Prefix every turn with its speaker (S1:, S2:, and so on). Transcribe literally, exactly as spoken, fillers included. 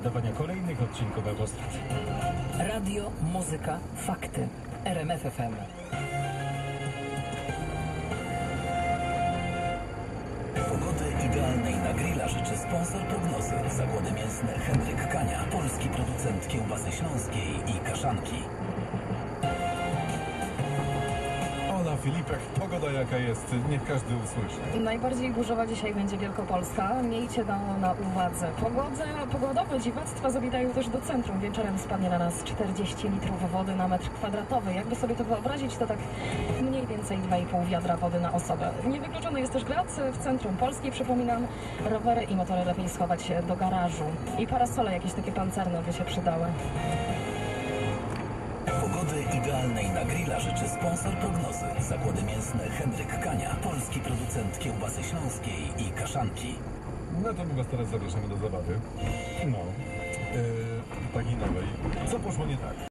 S1: naddawania kolejnych odcinków Autostrad.
S2: Radio, muzyka, fakty. R M F F M.
S3: Pogody idealnej na grilla życzy sponsor prognozy. Zakłady mięsne Henryk Kania, polski producent kiełbasy śląskiej i kaszanki.
S4: Ola Filipek, pogoda jaka jest, niech każdy usłyszy.
S5: Najbardziej burzowa dzisiaj będzie Wielkopolska. Miejcie to na uwadze. Pogodę, pogodowe dziwactwa zawitają też do centrum. Wieczorem spadnie na nas czterdzieści litrów wody na metr kwadratowy. Jakby sobie to wyobrazić, to tak mniej więcej dwa i pół wiadra wody na osobę. Niewykluczony jest też grad w centrum Polski. Przypominam, rowery i motory lepiej schować do garażu. I parasole jakieś takie pancerne by się przydały.
S3: Pogody idealnej na grilla życzy sponsor prognozy. Zakłady mięsne Henryk Kania, polski producent kiełbasy śląskiej i kaszanki.
S4: No to my was teraz zapraszamy do zabawy. No, yy, takiej nowej. Co poszło nie tak?